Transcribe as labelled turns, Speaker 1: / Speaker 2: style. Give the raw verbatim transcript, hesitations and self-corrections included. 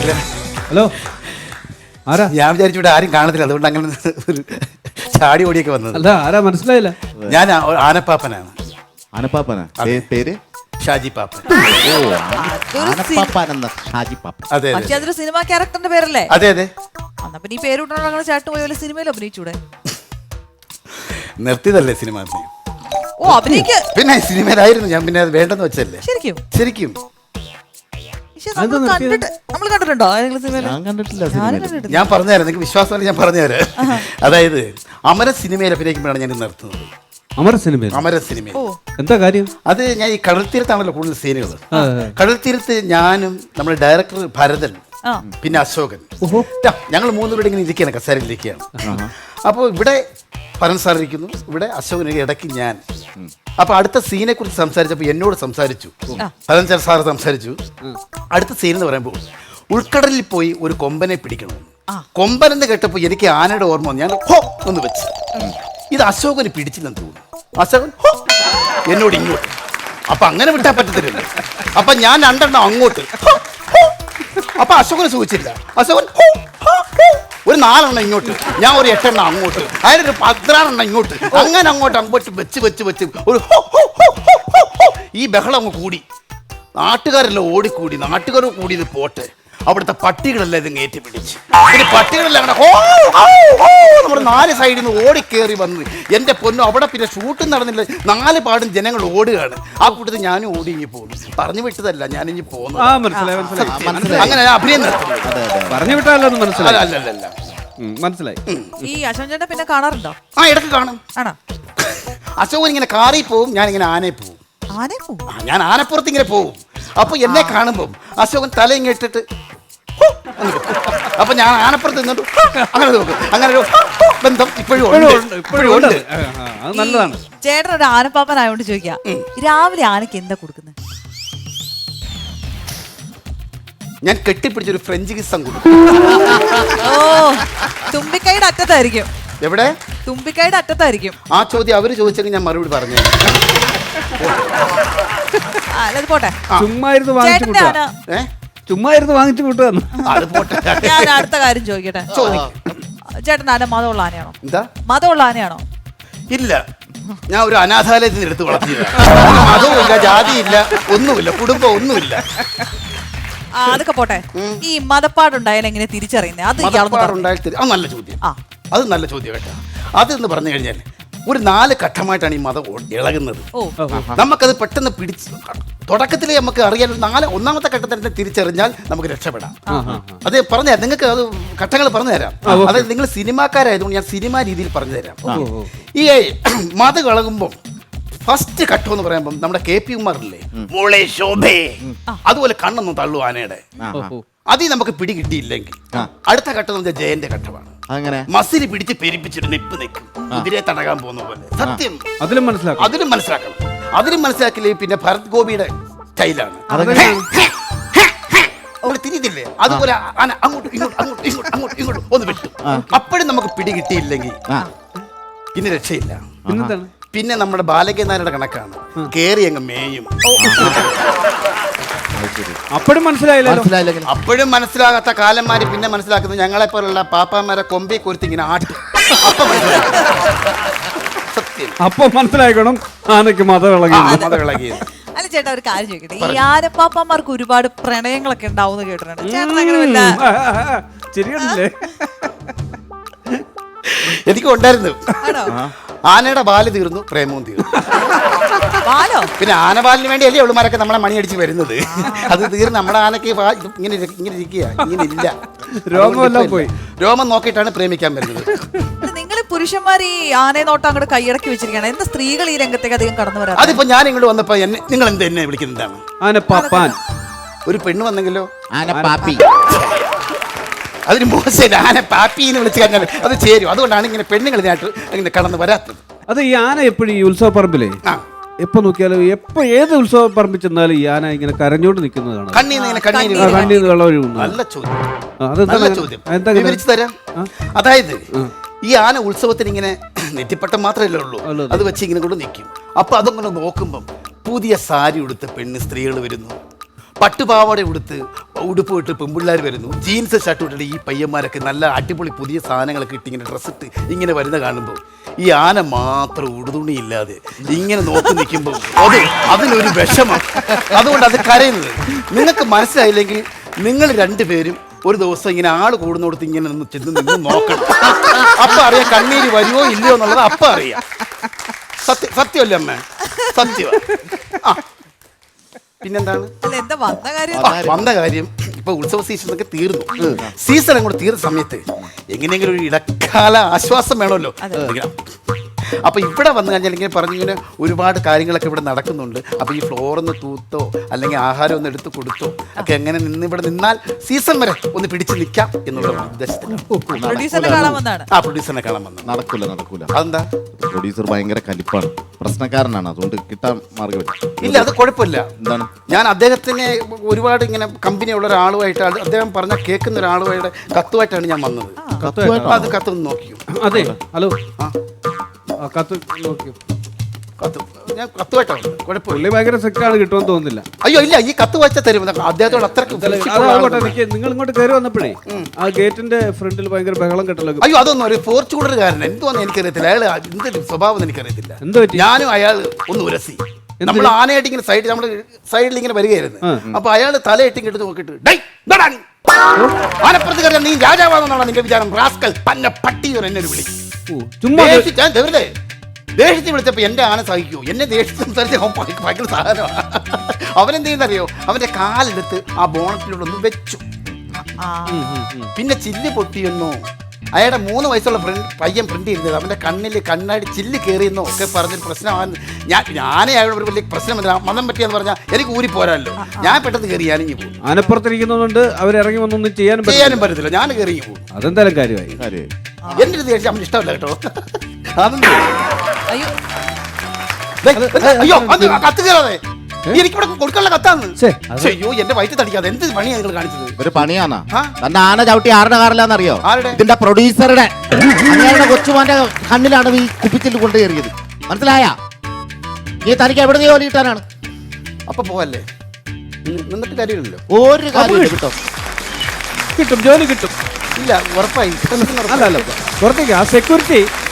Speaker 1: Hello, ആരാ?
Speaker 2: ഞാൻ വിചാരിച്ചു ഇവിടെ ആരും കാണത്തില്ല, അതുകൊണ്ട് അങ്ങനെ ഒരു ചാടി ഓടിയൊക്കെ വന്നത്.
Speaker 1: അല്ല, ആരാ മനസ്സിലായില്ല.
Speaker 2: ഞാൻ ആനപ്പാപ്പനാണ്.
Speaker 3: ആനപ്പാപ്പനാ പേര്?
Speaker 2: ഷാജി പാപ്പൻ. അതെ,
Speaker 4: പക്ഷെ അതൊരു സിനിമ ക്യാരക്ടറിന്റെ പേരല്ലേ?
Speaker 2: അതെ അതെ.
Speaker 4: എന്നാ പിന്നെ ഈ പേര് വിട്ടാണോ ചേട്ടൻ പോയി വല്ല സിനിമയിൽ അഭിനയിച്ചൂടെ?
Speaker 2: നിർത്തിയതല്ലേ സിനിമ?
Speaker 4: ഓ, അഭിനയിക്ക പിന്നെ
Speaker 2: സിനിമയിലായിരുന്നു ഞാൻ, പിന്നെ അത് വേണ്ടെന്ന് വെച്ചല്ലേ.
Speaker 4: ശരിക്കും
Speaker 2: ശരിക്കും
Speaker 4: നമ്മൾ കണ്ടിട്ടുണ്ടോ?
Speaker 2: ഞാൻ പറഞ്ഞുതരാം, നിങ്ങൾക്ക് വിശ്വാസമല്ല, ഞാൻ പറഞ്ഞുതരാം. അതായത് അമര സിനിമയിൽ അഭിനയിക്കുമ്പോഴാണ് ഞാൻ നിർത്തുന്നത്.
Speaker 1: അമര സിനിമ? അമര
Speaker 2: സിനിമ.
Speaker 1: എന്താ കാര്യം?
Speaker 2: അത് ഞാൻ ഈ കടൽ തീരത്താണല്ലോ കൂടുതൽ സീനുകൾ. കടൽ തീരത്ത് ഞാനും നമ്മുടെ ഡയറക്ടർ ഭരതൻ പിന്നെ അശോകൻ, ഞങ്ങൾ മൂന്നുപേരും ഇങ്ങനെ ഇരിക്കുകയാണ്, കസേരയിൽ ഇരിക്കുകയാണ്. അപ്പോൾ ഇവിടെ പരൻ സാർ ഇരിക്കുന്നു, ഇവിടെ അശോകൻ, ഇടയ്ക്ക് ഞാൻ. അപ്പൊ അടുത്ത സീനെ കുറിച്ച് സംസാരിച്ചപ്പോൾ എന്നോട് സംസാരിച്ചു, പരൻ സാർ സംസാരിച്ചു. അടുത്ത സീൻ എന്ന് പറയുമ്പോൾ ഉൾക്കടലിൽ പോയി ഒരു കൊമ്പനെ പിടിക്കണം. കൊമ്പൻ എന്ന് കേട്ടപ്പോൾ എനിക്ക് ആനയുടെ ഓർമ്മ വന്നു. ഞാൻ ഹോ ഒന്ന് വെച്ച്, ഇത് അശോകന് പിടിച്ചില്ലെന്ന് തോന്നുന്നു. അശോകൻ ഹോ എന്നോട് ഇങ്ങോട്ട്. അപ്പൊ അങ്ങനെ വിട്ടാൽ പറ്റത്തില്ല. അപ്പൊ ഞാൻ രണ്ടെണ്ണം അങ്ങോട്ട്, അപ്പൊ അശോകന് സൂചിച്ചില്ല. അശോകൻ ഒരു നാലെണ്ണം ഇങ്ങോട്ട്, ഞാൻ ഒരു എട്ടെണ്ണം അങ്ങോട്ട്, അതിനൊരു പതിനാറെണ്ണം ഇങ്ങോട്ട്, അങ്ങനെ അങ്ങോട്ട് അങ്ങോട്ട് വെച്ച് വെച്ച് വെച്ച് ഒരു ഈ ബഹളം അങ്ങ് കൂടി. നാട്ടുകാരെല്ലാം ഓടിക്കൂടി. നാട്ടുകാർ കൂടി ഇത് പോട്ടെ, അവിടുത്തെ പട്ടികളെല്ലാം ഇത് കയറ്റി പിടിച്ച്. പിന്നെ പട്ടികളെല്ലാം അങ്ങനെ ഹോ നമ്മുടെ നാല് സൈഡിൽ നിന്ന് ഓടിക്കേറി വന്ന് എൻ്റെ പൊന്നു, അവിടെ പിന്നെ ഷൂട്ടും നടന്നില്ല, നാല് പാടും ജനങ്ങൾ ഓടുകയാണ്. ആ കൂട്ടത്തിൽ ഞാനും ഓടി ഇങ്ങി പോകുന്നു. പറഞ്ഞു വിട്ടതല്ല, ഞാനിങ്ങി പോകുന്നു. അങ്ങനെ അഭിനയം നടത്തുന്നു.
Speaker 1: പറഞ്ഞു വിട്ടാലോ? മനസ്സിലായി.
Speaker 2: അല്ലല്ല,
Speaker 1: മനസ്സിലായി.
Speaker 4: ഈ അശോകൻ ചേട്ടൻ പിന്നെ കാണാറുണ്ടോ?
Speaker 2: ആ, ഇടയ്ക്ക് കാണും. ആണോ? അശോകൻ ഇങ്ങനെ കാറിൽ പോവും, ഞാനിങ്ങനെ ആനയിൽ പോവും. ഞാൻ ആനപ്പുറത്ത് ഇങ്ങനെ പോവും. അപ്പൊ എന്നെ കാണുമ്പം അശോകൻ തല ഇങ്ങനെ ഇട്ടിട്ട് അപ്പൊ ഞാൻ ആനപ്പുറത്ത് നിന്നിട്ട് അങ്ങനെ നോക്കും. അങ്ങനെ ഒരു ബന്ധം ഇപ്പോഴും ഉണ്ട്, ഇപ്പോഴും ഉണ്ട്.
Speaker 1: നല്ലതാണ്.
Speaker 4: ചേട്ടൻ ഒരു ആനപ്പാപ്പനായോണ്ട് ചോദിക്കാം, രാവിലെ ആനക്ക് എന്താ കൊടുക്കുന്നത്?
Speaker 2: ഞാൻ കെട്ടിപ്പിടിച്ചൊരു ഫ്രഞ്ച് കിസ്സം കൊടുക്കും.
Speaker 4: ഓ, തുമ്പിക്കൈയുടെ അറ്റത്തായിരിക്കും.
Speaker 2: എവിടെ?
Speaker 4: തുമ്പിക്കൈയുടെ അറ്റത്തായിരിക്കും.
Speaker 2: ആ ചോദ്യം അവര് ചോദിച്ചെങ്കിൽ ഞാൻ മറുപടി പറഞ്ഞു.
Speaker 4: പോട്ടെ,
Speaker 1: ചുമ്മായിരുന്നു വാങ്ങിച്ചു കൂട്ടുക. ചുമ്മായിരുന്നു വാങ്ങിച്ചു കൂട്ടുക.
Speaker 4: ഞാൻ അടുത്ത കാര്യം ചോദിക്കട്ടെ. ചേട്ടൻ ആന മതമുള്ള ആനയാണോ?
Speaker 2: എന്താ
Speaker 4: മതമുള്ള ആനയാണോ?
Speaker 2: ഇല്ല, ഞാൻ ഒരു അനാഥാലയത്തിൽ നിന്ന് എടുത്ത് വളർത്തിയില്ല. മതവുമില്ല, ജാതിയില്ല, ഒന്നുമില്ല, കുടുംബം ഒന്നുമില്ല.
Speaker 4: അതൊക്കെ പോട്ടെ, ഈ മതപ്പാടുണ്ടായാലും എങ്ങനെ തിരിച്ചറിയുന്നത്? അത്
Speaker 2: അത് നല്ല ചോദ്യം. അത് നല്ല ചോദ്യം കേട്ടോ. അതെന്ന് പറഞ്ഞു കഴിഞ്ഞാൽ ഒരു നാല് ഘട്ടമായിട്ടാണ് ഈ മതം ഇളകുന്നത്. നമുക്കത് പെട്ടെന്ന് പിടിച്ച് തുടക്കത്തിലേ നമുക്ക് അറിയാൻ നാല് ഒന്നാമത്തെ ഘട്ടത്തിൽ തന്നെ തിരിച്ചറിഞ്ഞാൽ നമുക്ക് രക്ഷപ്പെടാം. അത് പറഞ്ഞുതരാം, നിങ്ങൾക്ക് അത് ഘട്ടങ്ങൾ പറഞ്ഞു തരാം. അതായത് നിങ്ങൾ സിനിമാക്കാരായതുകൊണ്ട് ഞാൻ സിനിമാ രീതിയിൽ പറഞ്ഞു തരാം. ഈ മതം ഇളകുമ്പോൾ ഫസ്റ്റ് ഘട്ടം എന്ന് പറയുമ്പോൾ നമ്മുടെ കെ പി ഉമാറില്ലേ, മോളെ ശോഭേ, അതുപോലെ കണ്ണൊന്നും തള്ളു ആനയുടെ. അതിൽ നമുക്ക് പിടി കിട്ടിയില്ലെങ്കിൽ അടുത്ത ഘട്ടം എന്ന് ജയന്റെ ഘട്ടമാണ്. അങ്ങനെ മസിൽ പിടിച്ച് പെരിപ്പിച്ചിട്ട് നിപ്പ് നിൽക്കും, കുതിരെ തടകാൻ പോകുന്ന പോലെ. സത്യം അതിലും മനസ്സിലാക്കണം അതിലും മനസ്സിലാക്കണം അതിലും മനസ്സിലാക്കില്ലേ. പിന്നെ ഭരത് ഗോപിയുടെ സ്റ്റൈലാണ് തിരിഞ്ഞില്ലേ, അതുപോലെ അങ്ങോട്ടും ഇങ്ങോട്ടും അങ്ങോട്ടും ഇങ്ങോട്ടും അങ്ങോട്ടും ഇങ്ങോട്ടും ഒന്ന് വിട്ടു. അപ്പോഴും നമുക്ക് പിടി കിട്ടിയില്ലെങ്കിൽ പിന്നെ രക്ഷയില്ല. പിന്നെ നമ്മുടെ ബാലകനാരുടെ കണക്കാണ്, കേറി അങ്ങ് മേയും.
Speaker 1: അപ്പോഴും മനസ്സിലായില്ല.
Speaker 2: അപ്പോഴും മനസ്സിലാകാത്ത കാലന്മാര് പിന്നെ മനസ്സിലാക്കുന്നത് ഞങ്ങളെ പോലുള്ള പാപ്പാമാരെ കൊമ്പി കൊരുത്തി ഇങ്ങനെ ആട്ടും. അപ്പൊ സത്യം
Speaker 1: അപ്പൊ മനസ്സിലാക്കണം ആനക്ക് മതം ഇളകി.
Speaker 2: മതം ഇളകി.
Speaker 4: അല്ല ചേട്ടാ, ഒരു കാര്യം ചോദിക്കട്ടെ, ഈ ആനപ്പാപ്പന്മാർക്ക് ഒരുപാട് പ്രണയങ്ങളൊക്കെ ഉണ്ടാവും കേട്ടിട്ടുണ്ട്. ചേട്ടൻ അങ്ങനെ വല്ല
Speaker 1: ശരിയല്ലേ?
Speaker 2: എനിക്ക് ഉണ്ടായിരുന്നു. ആനയുടെ ബാല് തീർന്നു, പ്രേമവും തീർന്നു. പിന്നെ ആനപാലിന് വേണ്ടി അല്ലേ ഉള്ളുമാരൊക്കെ നമ്മളെ മണി അടിച്ച് വരുന്നത്. അത് തീർന്ന് നമ്മുടെ ആനക്ക് ഇങ്ങനെ ഇങ്ങനെ ഇരിക്കുക, ഇങ്ങനെ ഇല്ല,
Speaker 1: രോമമെല്ലാം പോയി.
Speaker 2: രോമം നോക്കിയിട്ടാണ് പ്രേമിക്കാൻ വരുന്നത്.
Speaker 4: നിങ്ങൾ പുരുഷന്മാർ ഈ ആനയെ നോട്ടം അങ്ങോട്ട് കൈയടക്കി വെച്ചിരിക്കുകയാണ്. എന്താ സ്ത്രീകൾ ഈ രംഗത്തേക്ക് അധികം കടന്നു വരാം?
Speaker 2: അതിപ്പോ ഞാൻ ഇങ്ങോട്ട് വന്നപ്പോ എന്നെ നിങ്ങൾ എന്ത് എന്നെ വിളിക്കുന്നതാണ്?
Speaker 1: ആനപ്പാപ്പാൻ.
Speaker 2: ഒരു പെണ്ണ് വന്നെങ്കിലോ
Speaker 3: ആനപ്പാപ്പി,
Speaker 2: അതിന് മോശം. ആന പാപ്പി എന്ന് വിളിച്ചു കഴിഞ്ഞാൽ അത് ചേരും. അതുകൊണ്ടാണ് ഇങ്ങനെ പെണ്ണുങ്ങൾ ഇതിനായിട്ട് ഇങ്ങനെ കടന്നു വരാത്തത്.
Speaker 1: അത് ഈ ആന എപ്പോഴും ഈ ഉത്സവ പറമ്പിലേ എപ്പോ നോക്കിയാലും എപ്പോ ഏത് ഉത്സവ പറമ്പിൽ ചെന്നാലും ഈ ആന ഇങ്ങനെ കരഞ്ഞോണ്ട് നിൽക്കുന്നതാണ്.
Speaker 2: കണ്ണീന്ന് വെള്ളം ഒഴുകുന്നു. നല്ല ചോദ്യം, നല്ല ചോദ്യം. വിവരിച്ചു തരാം. അതായത് ഈ ആന ഉത്സവത്തിന് ഇങ്ങനെ നെറ്റിപ്പട്ടം മാത്രമല്ലേ ഉള്ളൂ, അത് വെച്ച് ഇങ്ങനെ കൊണ്ട് നിൽക്കും. അപ്പൊ അതങ്ങനെ നോക്കുമ്പം പുതിയ സാരി ഉടുത്ത പെണ്ണ് സ്ത്രീകൾ വരുന്നു, പട്ടുപാവാട ഉടുത്ത് ഉടുപ്പ് ഇട്ട് പെൺപിള്ളേർ വരുന്നു, ജീൻസ് ഷർട്ട് ഇട്ടിട്ട് ഈ പയ്യന്മാരൊക്കെ നല്ല അടിപൊളി പുതിയ സാധനങ്ങളൊക്കെ ഇട്ട് ഇങ്ങനെ ഡ്രസ്സ് ഇട്ട് ഇങ്ങനെ വരുന്ന കാണുമ്പോൾ ഈ ആന മാത്രം ഉടുതുണിയില്ലാതെ ഇങ്ങനെ നോക്കി നിൽക്കുമ്പോൾ അത് അതിനൊരു വിഷമം. അതുകൊണ്ട് അത് കരയുന്നത്. നിങ്ങൾക്ക് മനസ്സിലായില്ലെങ്കിൽ നിങ്ങൾ രണ്ടുപേരും ഒരു ദിവസം ഇങ്ങനെ ആള് കൂടുന്നിടത്ത് ഇങ്ങനെ നിന്ന് ചെന്ന് നിന്ന് നോക്കണം. അപ്പൊ അറിയാം കണ്ണീര് വരുമോ ഇല്ലയോ എന്നുള്ളത് അപ്പൊ അറിയാം. സത്യം സത്യമല്ലേ അമ്മ? സത്യം. ആ പിന്നെന്താണ്
Speaker 4: അല്ല, എന്താ വന്ന കാര്യം?
Speaker 2: ആ, വന്ന കാര്യം ഇപ്പൊ ഉത്സവ സീസൺ ഒക്കെ തീർന്നു. സീസൺ അങ്ങോട്ട് തീർന്ന സമയത്ത് എങ്ങനെയെങ്കിലും ഒരു ഇടക്കാല ആശ്വാസം വേണമല്ലോ. ഇങ്ങനെ. അപ്പൊ ഇവിടെ വന്നു കഴിഞ്ഞാൽ ഇങ്ങനെ പറഞ്ഞിങ്ങനെ ഒരുപാട് കാര്യങ്ങളൊക്കെ ഇവിടെ നടക്കുന്നുണ്ട്. അപ്പൊ ഈ ഫ്ലോറൊന്ന് തൂത്തോ അല്ലെങ്കിൽ ആഹാരം ഒന്ന് എടുത്ത് കൊടുത്തോ ഒക്കെ എങ്ങനെ നിന്ന് ഇവിടെ നിന്നാൽ സീസൺ വരെ ഒന്ന് പിടിച്ചു നിൽക്കാം എന്നുള്ള ഉദ്ദേശത്തിൽ
Speaker 4: പ്രൊഡ്യൂസറിനെ കാണാൻ വന്നതാണ്.
Speaker 2: ആ പ്രൊഡ്യൂസറിനെ കാണാൻ വന്നു.
Speaker 3: നടക്കൂല നടക്കൂല.
Speaker 2: അതെന്താ?
Speaker 3: പ്രൊഡ്യൂസർ ഭയങ്കര കലിപ്പാണ്, പ്രശ്നക്കാരനാണ്. അതുകൊണ്ട് കിട്ടാൻ മാർഗമില്ല.
Speaker 2: ഇല്ല അത് കുഴപ്പമില്ല.
Speaker 3: എന്താണ്?
Speaker 2: ഞാൻ അദ്ദേഹത്തിന് ഒരുപാട് ഇങ്ങനെ കമ്പനിയുള്ള ഒരാളുമായിട്ട് അത് അദ്ദേഹം പറഞ്ഞ കേൾക്കുന്ന ഒരാളുമായിട്ട് കത്തുമായിട്ടാണ് ഞാൻ വന്നത്. അത് കത്ത് നോക്കിയോ?
Speaker 1: അതെ. ഹലോ.
Speaker 2: ആ
Speaker 1: ആ, കത്ത് നോക്കിയോ?
Speaker 2: കത്ത് ഞാൻ കത്തുമായിട്ടാണ്. കുഴപ്പമില്ല.
Speaker 1: പുള്ളി ഭയങ്കര സെക്കാണ്, കിട്ടുമെന്ന് തോന്നുന്നില്ല.
Speaker 2: അയ്യോ ഇല്ല, ഈ കത്ത് വായിച്ചാൽ തരും. അദ്ദേഹത്തോട് അത്രയ്ക്ക്
Speaker 1: അതാകട്ടെ, എനിക്ക് നിങ്ങൾ ഇങ്ങോട്ട് കയറി വന്നപ്പോഴേ ആ ഗേറ്റിന്റെ ഫ്രണ്ടിൽ ഭയങ്കര ബഹളം കെട്ടലോ.
Speaker 2: അയ്യോ അതൊന്നും ഒരു ഫോർച്യൂണറുകാരൻ എന്തുവാന്ന് എനിക്കറിയത്തില്ല. അയാൾ എന്തൊരു സ്വഭാവം എനിക്കറിയത്തില്ല.
Speaker 1: എന്ത് പറ്റി?
Speaker 2: ഞാനും അയാൾ ഒന്ന് ഉരസി. നമ്മൾ ആനയായിട്ട് ഇങ്ങനെ സൈഡിൽ നമ്മൾ സൈഡിൽ ഇങ്ങനെ വരികയായിരുന്നു. അപ്പൊ അയാൾ തലയിട്ട് എടുത്ത് നോക്കിയിട്ട് ഡേയ് ഇതാടാ നീ. ആനപ്പുറത്ത് കയറിയാൽ നീ രാജാവാണെന്നാണ് നിന്റെ വിചാരം? റാസ്കൽ പന്ന പട്ടി എന്നെ ഒരു വിളി.
Speaker 1: ചുമ്മാ
Speaker 2: ദേഷ്യം വെറുതെ ദേഷ്യത്തിൽ വിളിച്ചപ്പോ എന്റെ ആന സഹിക്കൂ. എന്നെ ദേഷ്യത്തിൽ സംസാരിച്ച ഭയങ്കര സാധനമാണ്. അവനെന്ത് ചെയ്യുന്നറിയോ? അവന്റെ കാലെടുത്ത് ആ ബോണറ്റിലൂടെ ഒന്ന് വെച്ചു. പിന്നെ ചില്ല് പൊട്ടിയെന്നോ അയാളുടെ മൂന്ന് വയസ്സുള്ള ഫ്രണ്ട് പയ്യൻ പ്രിന്റ് ചെയ്യുന്നത് അവന്റെ കണ്ണിൽ കണ്ണാടി ചില്ല് കയറിയെന്നോ ഒക്കെ പറഞ്ഞൊരു പ്രശ്നമാണ്. ഞാൻ ഞാനേ അയാളുടെ ഒരു വലിയ പ്രശ്നമില്ല. മതം പറ്റിയെന്ന് പറഞ്ഞാൽ എനിക്ക് ഊരി പോരാല്ലോ. ഞാൻ പെട്ടെന്ന് കയറി ഞാനിങ്ങി പോകും.
Speaker 1: ആനപ്പുറത്തിരിക്കുന്നതുകൊണ്ട് അവരിറങ്ങി വന്നൊന്നും ചെയ്യാനും
Speaker 2: ചെയ്യാനും പറ്റത്തില്ല. ഞാൻ കയറി പോകും.
Speaker 1: അതെന്തായാലും കാര്യമായി.
Speaker 3: കാര്യം
Speaker 2: എന്റെ ഒരു ദേഷ്യം അവന് ഇഷ്ടമല്ല കേട്ടോ. അതൊന്നും
Speaker 4: അയ്യോ
Speaker 2: അയ്യോ അത് കത്ത് കയറാതെ എനിക്കിവിടെ കൊടുക്കാനുള്ള കത്താന്ന്.
Speaker 1: ഛെ,
Speaker 2: അയ്യോ എന്റെ വയറ്റ് തടിക്കാതെ എന്ത് പണിയാണ് നിങ്ങൾ കാണിച്ചത്?
Speaker 3: ഒരു പണിയാണോ?
Speaker 2: ആ?
Speaker 3: തന്റെ ആന ചവിട്ടി ആരുടെ കാറിലാന്നറിയോ?
Speaker 2: ആരുടെ?
Speaker 3: ഇതിന്റെ പ്രൊഡ്യൂസറുടെ. അങ്ങയുടെ കൊച്ചുമാന്റെ കണ്ണിലാണ് ഈ കുപ്പിച്ചില് കൊണ്ട് കയറിയത്. മനസ്സിലായ? ഈ തനിക്ക് എവിടെ നീ ജോലി കിട്ടാനാണ്?
Speaker 2: അപ്പൊ പോവല്ലേ? നിന്നിട്ട് കാര്യമില്ലല്ലോ.
Speaker 3: ഒരു കാര്യം കിട്ടും.
Speaker 1: കിട്ടും, ജോലി കിട്ടും.
Speaker 2: ഇല്ല ഉറപ്പായി.
Speaker 1: അല്ല അല്ല, പുറത്തേക്ക് ആ സെക്യൂരിറ്റി